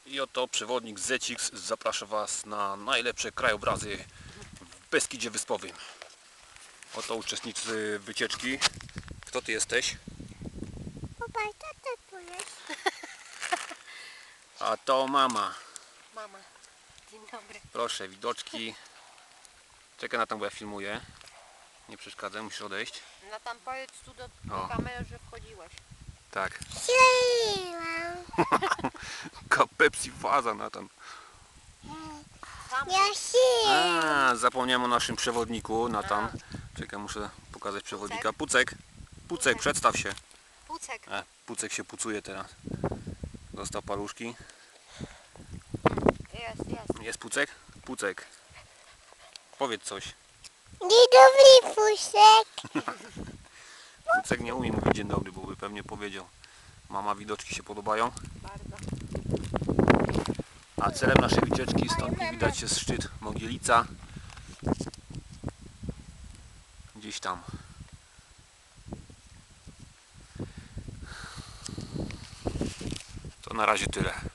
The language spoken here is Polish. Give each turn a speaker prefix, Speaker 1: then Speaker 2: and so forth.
Speaker 1: I oto przewodnik Zecix zaprasza Was na najlepsze krajobrazy w Beskidzie Wyspowym. Oto uczestnicy wycieczki. Kto Ty jesteś?
Speaker 2: Popatrz, co to tu jest?
Speaker 1: A to mama.
Speaker 2: Mama. Dzień dobry.
Speaker 1: Proszę, widoczki. Czekaj na tam, bo ja filmuję. Nie przeszkadzaj, musisz odejść.
Speaker 2: No tam powiedz tu do
Speaker 1: O.
Speaker 2: kamery, że wchodziłeś.
Speaker 1: Tak.
Speaker 2: Śliłam.
Speaker 1: Pepsi faza na tam.
Speaker 2: Ja śliłam.
Speaker 1: Zapomniałem o naszym przewodniku na tam. Czekaj, muszę pokazać przewodnika. Pucek. Pucek, przedstaw się.
Speaker 2: Pucek.
Speaker 1: Pucek się pucuje teraz. Dostał paluszki.
Speaker 2: Jest.
Speaker 1: Jest Pucek? Pucek. Powiedz coś.
Speaker 2: Dzień dobry, Pucek.
Speaker 1: Pucek nie umie mówić dzień dobry, bo by pewnie powiedział. Mama, widoczki się podobają.
Speaker 2: Bardzo.
Speaker 1: A celem naszej wycieczki, stąd nie widać, jest szczyt Mogielica. Gdzieś tam. To na razie tyle.